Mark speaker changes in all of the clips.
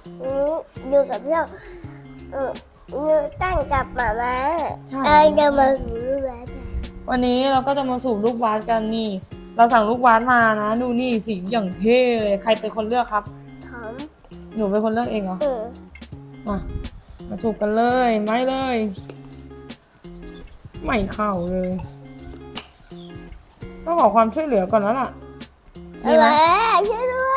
Speaker 1: นี้อยู่กับเพื่อนนิวตั้งกับหมาม้า
Speaker 2: ใช่
Speaker 1: จะมาสูบลูกบาส
Speaker 2: วันนี้เราก็จะมาสูบลูกบาสกันนี่ เราสั่งลูกบาสมานะ ดูนี่สีอย่างเท่เลย ใครเป็นคนเลือกครับ
Speaker 1: หอม
Speaker 2: หนูเป็นคนเลือกเองเหรอ
Speaker 1: เออ
Speaker 2: มาสูบกันเลยไม่เลย ไม่เข้าเลยต้องขอความช่วยเหลือก่อนแล้วล่ะ
Speaker 1: ไอ้
Speaker 2: ดีไหม
Speaker 1: แม่ช่วยด้วย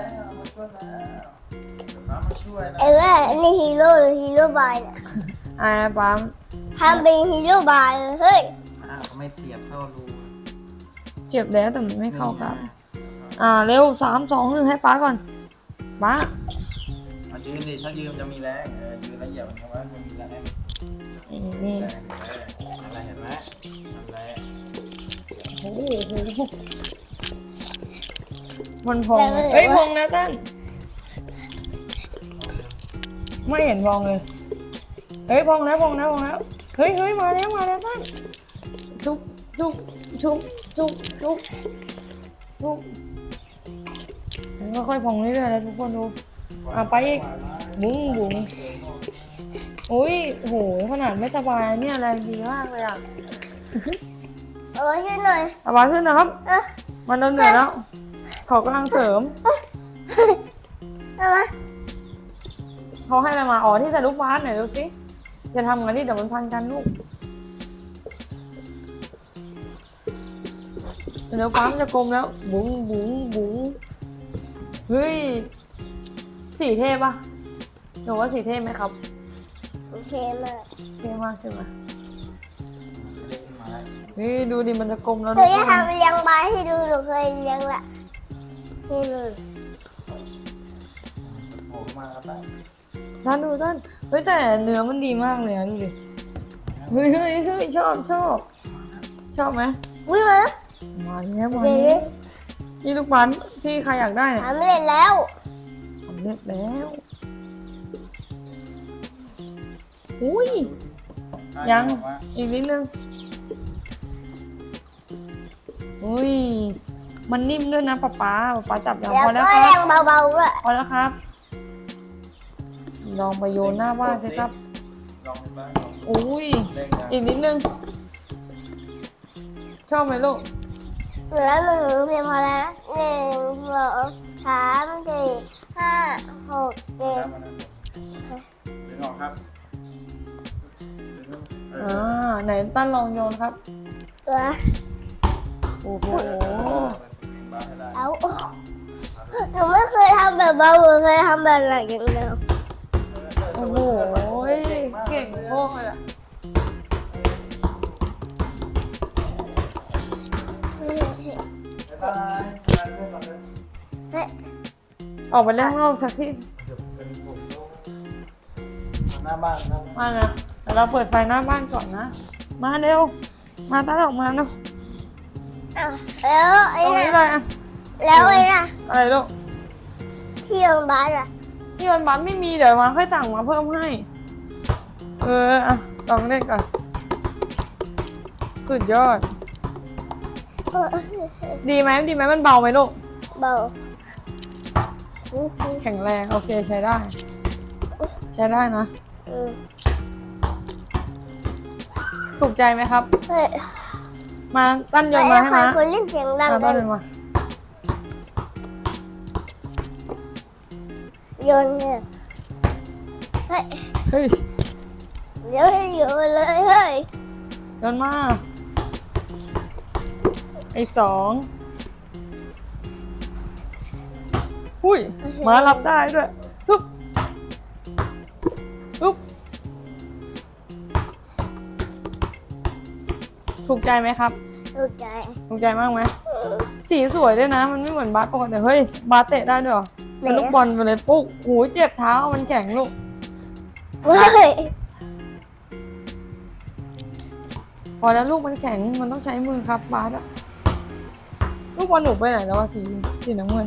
Speaker 3: น้ำมาช่วยนะ
Speaker 1: ไอ้แม่นี่ฮีโร่หรือฮีโร่บายเนี่ย
Speaker 2: อ่าปั๊ม
Speaker 1: ทำเป็นฮีโร่บายเลยเฮ้ย
Speaker 3: ก็ไม่เสียบเข้ารู
Speaker 2: เจ็บแล้วแต่มันไม่เข้าครับ เร็ว3 2 1ให้ป้าก่อนป้า
Speaker 3: มายืนดิถ้ายืนจะมีแรงยืนแล้วเหยียบมันเข้าไว้มันมีแรง
Speaker 2: นี่
Speaker 3: แรงอะไรเห็นไหมนั่นแหละ
Speaker 2: โอ้โหมันพองเลยเฮ้ยพองนะตั้นไม่เห็นพองเลยเฮ้ยพองแล้วเฮ้ยมาแล้วตั้นทุบแล้วค่อยพองเรื่อยๆแล้วทุกคนดูไปอีกบุ้งอุ้ยโหขนาดไม่สบายเนี่ยแรงดีมากเลยอ่ะ
Speaker 1: เอาไว้ช่วยหน่อย
Speaker 2: สบายขึ้นนะครับ
Speaker 1: เอ้ย
Speaker 2: มันเริ่มเหนื่อยแล้ว ขอกำลังเสริม
Speaker 1: เอามา
Speaker 2: เขาให้อะไรมาที่ใส่ลูกบาสไหนดูสิอย่าทำงั้นที่เดี๋ยวมันพันกันลูกเดี๋ยวฟ้ามันจะกลมแล้วบุ๋งเฮ้ยสีเท่ปะหนูว่าสีเท่ไหมครับ
Speaker 1: โอเคมาก
Speaker 2: เท่มากใช่ไหม
Speaker 3: เด็กขึ้นมา
Speaker 2: เฮ้ยดูดิมันจะกลมแล้ว
Speaker 1: หนูจะทำเลี้ยงบายให้ดูหนูเคยเลี้ยงละนี่เลย
Speaker 3: โผล่มาแล้วไป
Speaker 2: ท่านดูท่านเฮ้ยแต่เนื้อมันดีมากเลยนะดูดิเฮ้ยชอบไหม
Speaker 1: วิ่งมา
Speaker 2: มาแล้ว
Speaker 1: เดี๋ยว
Speaker 2: นี่ลูกบาสที่ใครอยากได้เนี่ย
Speaker 1: ทำไม่เล่นแล้ว
Speaker 2: สำเร็จแล้วอุ้ยยังอีกนิดนึงอุ้ยมันนิ่มด้วยนะป๊าจับยัง
Speaker 1: แล้ว
Speaker 2: พอแล้ว
Speaker 1: ก็
Speaker 2: ค
Speaker 1: แร
Speaker 2: รับ
Speaker 1: งเบาๆด้วย
Speaker 2: พอแล้วครับลองไปโยนหน้าบ้านสิครับ
Speaker 3: ลองบ้างลอง
Speaker 2: อุ้ย
Speaker 3: เล่นกัน
Speaker 2: อีกนิดนึงชอบไหมลูก
Speaker 1: แล้วหนูเพียงพอแล้ว1 2 3 4 5 6
Speaker 3: แล้ว
Speaker 1: 7
Speaker 3: มันดึงออกครับดึง
Speaker 2: ไหนตั้นลองโยนครับ
Speaker 1: ตัว
Speaker 2: โอ้โห
Speaker 3: บ้าให้ได้
Speaker 1: เอาหนูไม่เคยทำแบบเบาหนูเคยทำแบบหนักอย่างเดียว
Speaker 2: โอ้โหเก่งมากเลยอะ ออกไปเล่นข้างนอกสักที่
Speaker 3: หน้าบ้าน
Speaker 2: มานะแต่เราเปิดไฟหน้าบ้านก่อนนะ มาเร็ว มาตั้งออกมาเนาะ
Speaker 1: แล้วไอ้
Speaker 2: ตรงนี้
Speaker 1: น่ะ
Speaker 2: เลยอะ
Speaker 1: แล้วไอ้น่ะ
Speaker 2: อะไรลูก
Speaker 1: ที่โรงพยาบาลอ่ะ
Speaker 2: ที่วันบัสไม่มีเดี๋ยวมาค่อยสั่งมาเพิ่มให้ ลองเล่นก่อน สุดยอด ดีไหมมันเบาไหมลูก
Speaker 1: เบา
Speaker 2: แข็งแรงโอเคใช้ได้ ใช้ได้นะ ถูกใจไหมครับ
Speaker 1: เฮ้ย
Speaker 2: มาตั้นโยนมาให้
Speaker 1: ใคร
Speaker 2: มา
Speaker 1: คนเล่นเสียงดัง
Speaker 2: ตั้
Speaker 1: กัน น
Speaker 2: โยนมา
Speaker 1: โยนเนี่ยเฮ้ย
Speaker 2: เฮ้ย
Speaker 1: เดี๋ยวให้โยนเลยเฮ้ย
Speaker 2: โยนมาไอ้2หุ้ยมารับได้ด้วยปุ๊บถูกใจไหมครับ
Speaker 1: ถูกใจ
Speaker 2: ถูกใจมากไหมสีสวยด้วยนะ มันไม่เหมือนบาสปกติเฮ้ยบาสเตะได้ด้วยเหรอเป็นลูกบอลไปเลยปุ๊กหูเจ็บเท้ามันแข็งลูก
Speaker 1: เฮ้ย
Speaker 2: พอแล้วลูกมันแข็งมันต้องใช้มือครับบาสอะลูกบอลหนูไปไหนแล้ววะสีน้ำเงิน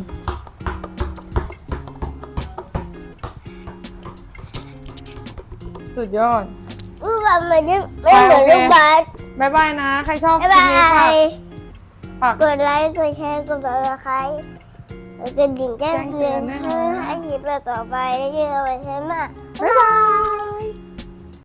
Speaker 2: สุดยอด
Speaker 1: ลูกบอลมันยังไม่เหมือนลูกบาส
Speaker 2: บายบายนะ ใครชอบ
Speaker 1: บ๊าย
Speaker 2: คลิ
Speaker 1: บา
Speaker 2: ปนี้ฝาก
Speaker 1: ย
Speaker 2: ฝาก
Speaker 1: กดไลค์ กดแชร์ กดซับสไครต์กดดิ่งแจ้งเตือนให้คลิปแบบต่อไปแล้วเจอกันใหม่ใช่ไหม
Speaker 2: บ๊ายบาย